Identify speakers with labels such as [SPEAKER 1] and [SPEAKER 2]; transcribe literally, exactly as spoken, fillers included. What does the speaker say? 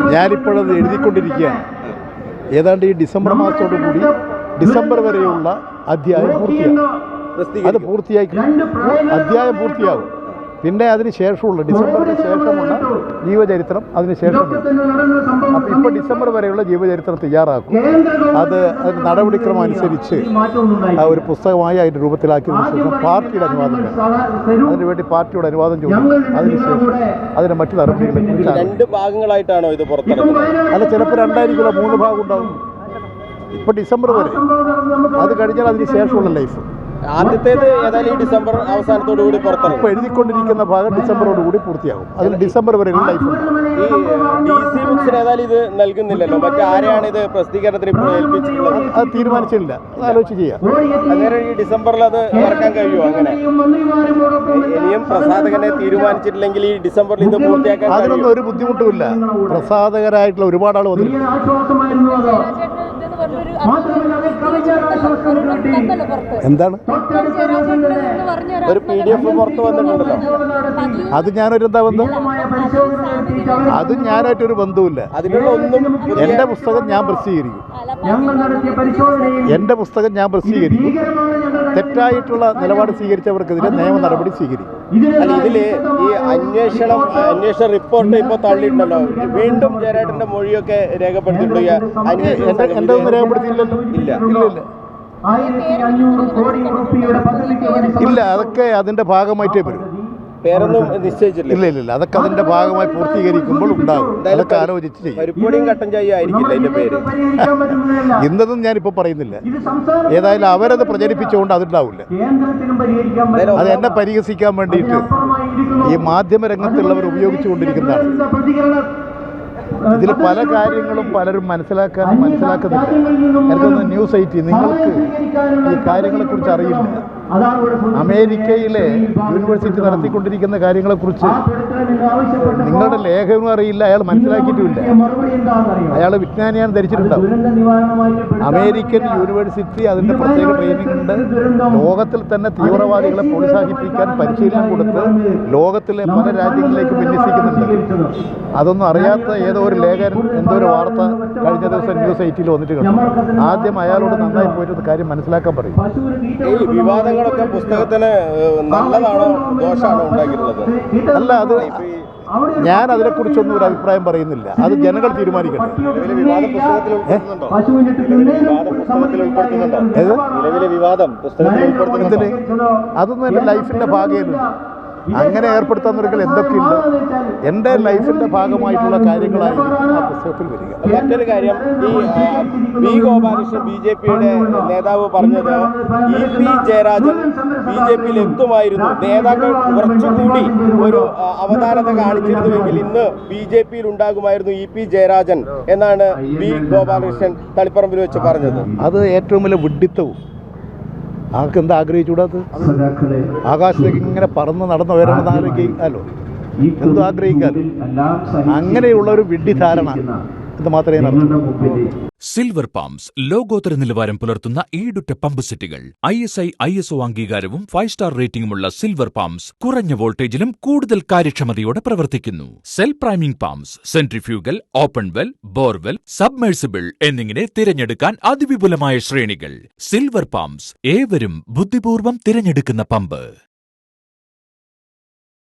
[SPEAKER 1] ഞാനിപ്പോഴത് എഴുതിക്കൊണ്ടിരിക്കുകയാണ്. ഏതാണ്ട് ഈ ഡിസംബർ മാസത്തോടു കൂടി ഡിസംബർ വരെയുള്ള അധ്യായം പൂർത്തിയാകും. അത് പൂർത്തിയായി അധ്യായം പൂർത്തിയാകും. പിന്നെ അതിന് ശേഷമുള്ള ഡിസംബറിന് ശേഷമുള്ള ജീവചരിത്രം അതിന് ശേഷം. അപ്പോൾ ഇപ്പോൾ ഡിസംബർ വരെയുള്ള ജീവചരിത്രം തയ്യാറാക്കും. അത് അതിന് നടപടിക്രമം അനുസരിച്ച് ഒരു പുസ്തകമായി അതിൻ്റെ രൂപത്തിലാക്കിയതിനു ശേഷം പാർട്ടിയുടെ അനുവാദം വേണം. അതിനുവേണ്ടി പാർട്ടിയുടെ അനുവാദം ചോദിക്കും. അതിനുശേഷം അതിന് മറ്റു നടപടികളെ
[SPEAKER 2] രണ്ട് ഭാഗങ്ങളായിട്ടാണോ ഇത് പുറത്തിറക്കുന്നത്?
[SPEAKER 1] അല്ല, ചിലപ്പോൾ രണ്ടായിരിക്കില്ല, മൂന്ന് ഭാഗം ഉണ്ടാകും. ഇപ്പോൾ ഡിസംബർ വരെ, അത് കഴിഞ്ഞാൽ അതിന് ശേഷമുള്ള ലൈഫ്.
[SPEAKER 2] ആദ്യത്തേത് ഏതായാലും ഈ ഡിസംബർ അവസാനത്തോടു കൂടി പുറത്തിറങ്ങും.
[SPEAKER 1] ഇപ്പോൾ എഴുതിക്കൊണ്ടിരിക്കുന്ന ഭാഗം ഡിസംബറോട് കൂടി പൂർത്തിയാകും. അതിൽ ഡിസംബർ വരെയുള്ള ലൈഫ്.
[SPEAKER 2] ഈ ഡി സി ബുക്സിന് ഏതായാലും ഇത് നൽകുന്നില്ലല്ലോ, മറ്റാരെയാണ് ഇത് പ്രസിദ്ധീകരണത്തിന് ഇപ്പോൾ ഏൽപ്പിച്ചിട്ടുള്ളത്?
[SPEAKER 1] അത് തീരുമാനിച്ചില്ല, അത് ആലോചിച്ച് ചെയ്യാം.
[SPEAKER 2] അന്നേരം ഈ ഡിസംബറിൽ അത് ഇറക്കാൻ കഴിയുമോ? അങ്ങനെ ഇനിയും പ്രസാധകനെ തീരുമാനിച്ചിട്ടില്ലെങ്കിൽ ഈ ഡിസംബറിൽ ഇത് പൂർത്തിയാക്കാൻ
[SPEAKER 1] അതിനൊന്നും ഒരു ബുദ്ധിമുട്ടുമില്ല. പ്രസാധകരായിട്ടുള്ള ഒരുപാട് ആൾ വന്നിട്ടുണ്ട്. എന്താണ്
[SPEAKER 2] ഒരു പി ഡി എഫ് പുറത്ത് വന്നിട്ടുണ്ടല്ലോ,
[SPEAKER 1] അത് ഞാനൊരു എന്താ ബന്ധം? അത് ഞാനായിട്ടൊരു ബന്ധവുമില്ല.
[SPEAKER 2] അതിനുള്ള ഒന്നും
[SPEAKER 1] എൻ്റെ പുസ്തകം ഞാൻ പ്രസിദ്ധീകരിക്കും. എൻ്റെ പുസ്തകം ഞാൻ പ്രസിദ്ധീകരിക്കും. തെറ്റായിട്ടുള്ള നിലപാട് സ്വീകരിച്ചവർക്കെതിരെ നിയമ നടപടി സ്വീകരിക്കും.
[SPEAKER 2] അല്ല, ഇതില് ഈ അന്വേഷണം അന്വേഷണ റിപ്പോർട്ട് ഇപ്പൊ തള്ളിയിട്ടുണ്ടല്ലോ, വീണ്ടും ജയരാജന്റെ മൊഴിയൊക്കെ രേഖപ്പെടുത്തിയിട്ടുള്ള
[SPEAKER 1] എൻ്റെ ഒന്നും രേഖപ്പെടുത്തിയില്ലല്ലോ.
[SPEAKER 2] ഇല്ല
[SPEAKER 1] ഇല്ല ഇല്ല ഇല്ല അതൊക്കെ അതിൻ്റെ ഭാഗമായിട്ടേ വരും.
[SPEAKER 2] പേരൊന്നും നിശ്ചയിച്ചില്ല.
[SPEAKER 1] ഇല്ല ഇല്ല അതൊക്കെ അതിന്റെ ഭാഗമായി പൂർത്തീകരിക്കുമ്പോൾ ഉണ്ടാകും. അതൊക്കെ ആലോചിച്ച് ചെയ്യും.
[SPEAKER 2] പരിപ്പൊടിയും കട്ടൻ ചായ ആയിരിക്കില്ല അതിന്റെ പേര്.
[SPEAKER 1] ഇന്നതും ഞാനിപ്പോൾ പറയുന്നില്ല. ഏതായാലും അവരത് പ്രചരിപ്പിച്ചുകൊണ്ട് അതുണ്ടാവില്ല. അത് എന്നെ പരിഹസിക്കാൻ വേണ്ടിയിട്ട് ഈ മാധ്യമ രംഗത്തുള്ളവർ ഉപയോഗിച്ചുകൊണ്ടിരിക്കുന്നതാണ്. ഇതിൽ പല കാര്യങ്ങളും പലരും മനസ്സിലാക്കാൻ മനസ്സിലാക്കുന്നില്ല. എനിക്കൊന്ന് ന്യൂസ് എയ്റ്റി, നിങ്ങൾക്ക് ഈ കാര്യങ്ങളെക്കുറിച്ച് അറിയില്ല. അമേരിക്കയിലെ യൂണിവേഴ്സിറ്റി നടത്തിക്കൊണ്ടിരിക്കുന്ന കാര്യങ്ങളെക്കുറിച്ച് നിങ്ങളുടെ ലേഖനം അറിയില്ല. അയാൾ മനസ്സിലാക്കിയിട്ടുമില്ല. അയാൾ വിജ്ഞാനിയാണ് ധരിച്ചിട്ടുണ്ടാവും. അമേരിക്കൻ യൂണിവേഴ്സിറ്റി അതിൻ്റെ പ്രത്യേക ട്രെയിനിങ് ഉണ്ട്. ലോകത്തിൽ തന്നെ തീവ്രവാദികളെ പ്രോത്സാഹിപ്പിക്കാൻ പരിശീലനം കൊടുത്ത് ലോകത്തിലെ പല രാജ്യങ്ങളിലേക്ക് വിന്യസിക്കുന്നുണ്ട്. അതൊന്നും അറിയാത്ത ഏതോ ഒരു ലേഖകൻ എന്തോ ഒരു വാർത്ത കഴിഞ്ഞ ദിവസം ന്യൂസ് എയ്റ്റിൽ വന്നിട്ട് കണ്ടു. ആദ്യം അയാളോട് നന്നായി പോയിട്ട് കാര്യം മനസ്സിലാക്കാൻ പറയും.
[SPEAKER 2] വിവാദങ്ങളൊക്കെ പുസ്തകത്തിന് നല്ലതാണോ ദോഷമാണോ ഉണ്ടാക്കിയിട്ടുള്ളത്?
[SPEAKER 1] അല്ല, അത് ഞാൻ അതിനെക്കുറിച്ചൊന്നും ഒരു അഭിപ്രായം പറയുന്നില്ല. അത് ജനങ്ങൾ തീരുമാനിക്കട്ടെ. അതൊന്നും എൻ്റെ ലൈഫിൻ്റെ ഭാഗമല്ല. അങ്ങനെ ഏർപ്പെടുത്താന്നൊരിക്കൽ എന്തൊക്കെയുണ്ട്. എൻ്റെ ലൈഫിൻ്റെ ഭാഗമായിട്ടുള്ള കാര്യങ്ങളായിരിക്കും ആ പുസ്തകത്തിൽ വരിക.
[SPEAKER 2] മറ്റൊരു കാര്യം, ഈ ബി ഗോപാലകൃഷ്ണൻ ബി ജെ പിയുടെ നേതാവ് പറഞ്ഞത് E P Jayarajan B J പിയിൽ എത്തുമായിരുന്നു, നേതാക്കൾ കുറച്ചുകൂടി ഒരു അവതാരത കാണിച്ചിരുന്നുവെങ്കിൽ ഇന്ന് ബി ജെ പിയിൽ ഉണ്ടാകുമായിരുന്നു ഇ പി ജയരാജൻ എന്നാണ് ബി ഗോപാലകൃഷ്ണൻ തളിപ്പറമ്പിൽ വെച്ച് പറഞ്ഞത്.
[SPEAKER 1] അത് ഏറ്റവും വലിയ വിഡ്ഢിത്തവും. ആർക്ക് എന്താ ആഗ്രഹിച്ചുകൂടാത്ത? ആകാശത്തേക്ക് ഇങ്ങനെ പറന്ന് നടന്നു വരണമെന്ന് ആലോചിക്കാമല്ലോ, എന്തോ ആഗ്രഹിക്കാമല്ലോ. അങ്ങനെയുള്ള ഒരു വിഡ്ഢിധാരണ ഇത് മാത്രമേ നടത്തൂ.
[SPEAKER 3] സിൽവർ പമ്പ്സ് ലോകോത്തര നിലവാരം പുലർത്തുന്ന ഈടുറ്റ പമ്പ് സെറ്റുകൾ. I S I I S O അംഗീകാരവും ഫൈവ് സ്റ്റാർ റേറ്റിംഗുമുള്ള സിൽവർ പമ്പ്സ് കുറഞ്ഞ വോൾട്ടേജിലും കൂടുതൽ കാര്യക്ഷമതയോടെ പ്രവർത്തിക്കുന്നു. Self priming pumps, centrifugal, open well, borewell, submersible എന്നിങ്ങനെ തിരഞ്ഞെടുക്കാൻ അതിവിപുലമായ ശ്രേണികൾ. സിൽവർ പമ്പ്സ്, ഏവരും ബുദ്ധിപൂർവ്വം തിരഞ്ഞെടുക്കുന്ന പമ്പ്.